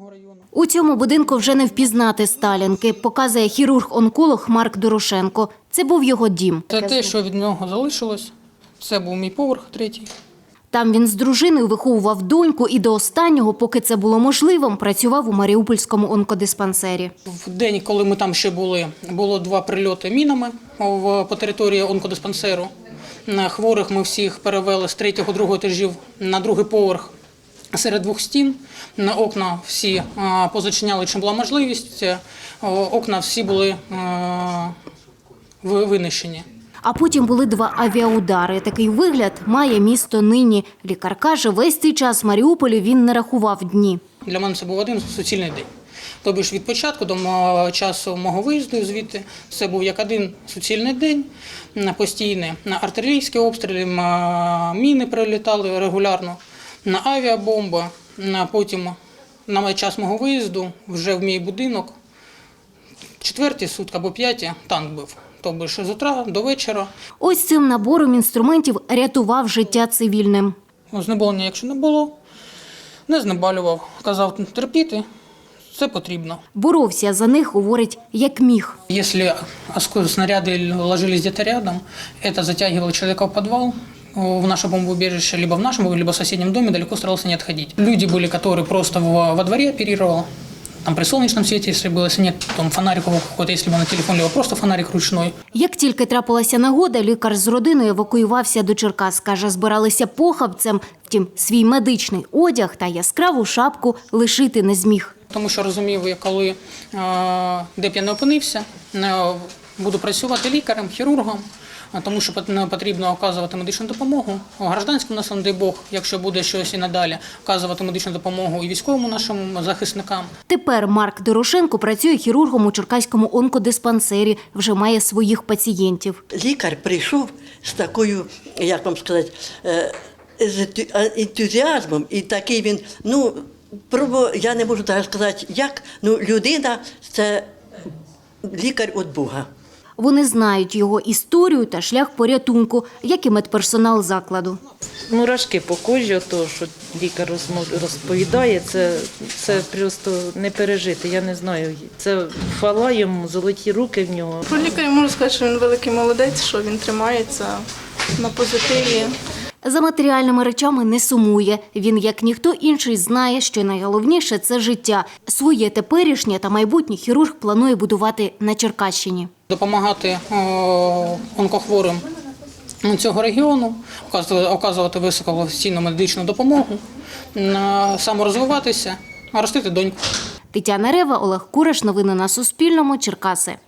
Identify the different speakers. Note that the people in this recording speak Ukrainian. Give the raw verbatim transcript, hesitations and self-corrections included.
Speaker 1: У цьому будинку вже не впізнати Сталінки, показує хірург-онколог Марк Дорошенко. Це був його дім.
Speaker 2: Це те, що від нього залишилось. Це був мій поверх третій.
Speaker 1: Там він з дружиною виховував доньку і до останнього, поки це було можливим, працював у Маріупольському онкодиспансері.
Speaker 2: В день, коли ми там ще були, було два прильоти мінами по території онкодиспансеру. Хворих ми всіх перевели з третього, другого етажів на другий поверх серед двох стін. Окна всі позачиняли, чим була можливість. Окна всі були винищені.
Speaker 1: А потім були два авіаудари. Такий вигляд має місто нині. Лікар каже, весь цей час в Маріуполі він не рахував дні.
Speaker 2: Для мене це був один суцільний день. Тобто від початку до часу мого виїзду звідти це був як один суцільний день, постійний. На артилерійські обстріли, міни прилітали регулярно, на авіабомби. Потім на час мого виїзду вже в мій будинок, четверті сутки або п'яті, танк бив. Тобто з утра до вечора.
Speaker 1: Ось цим набором інструментів рятував життя цивільним.
Speaker 2: Знеболення, якщо не було, не знеболював. Казав, терпіти, це потрібно.
Speaker 1: Боровся за них, говорить, як міг.
Speaker 2: Якщо снаряди ложились десь рядом, це затягувало чоловіка в підвал, в наше бомбоубежище, либо в нашем, либо в соседнем доме, далеко старался не отходить. Люди были, которые просто во дворе оперировали. Там при сонячному світі, якщо було, якщо ні, там фонарик какой-то, якщо був на телефоні, або просто фонарик ручний.
Speaker 1: Як тільки трапилася нагода, лікар з родиною евакуювався до Черкас. Каже, збиралися похабцем, втім, свій медичний одяг та яскраву шапку лишити не зміг.
Speaker 2: Тому що розумів, коли, де б я не опинився, буду працювати лікарем, хірургом, тому що потрібно оказувати медичну допомогу гражданським нашим, дай Бог, якщо буде щось і надалі, оказувати медичну допомогу і військовим нашим захисникам.
Speaker 1: Тепер Марк Дорошенко працює хірургом у Черкаському онкодиспансері, вже має своїх пацієнтів.
Speaker 3: Лікар прийшов з такою, як вам сказати, з ентузіазмом, і такий він, ну, пробу, я не можу навіть сказати, як, ну, людина – це лікар від Бога.
Speaker 1: Вони знають його історію та шлях порятунку, як і медперсонал закладу.
Speaker 4: Мурашки по кожі, то, що лікар розповідає, це, це просто не пережити, я не знаю. Це хвала йому, золоті руки в нього.
Speaker 5: Про лікаря можу сказати, що він великий молодець, що він тримається на позитиві.
Speaker 1: За матеріальними речами не сумує. Він, як ніхто інший, знає, що найголовніше – це життя. Своє теперішнє та майбутнє хірург планує будувати на Черкащині.
Speaker 2: Допомагати онкохворим цього регіону, оказувати високопрофесійну медичну допомогу, саморозвиватися, ростити доньку.
Speaker 1: Тетяна Рева, Олег Кураш. Новини на Суспільному. Черкаси.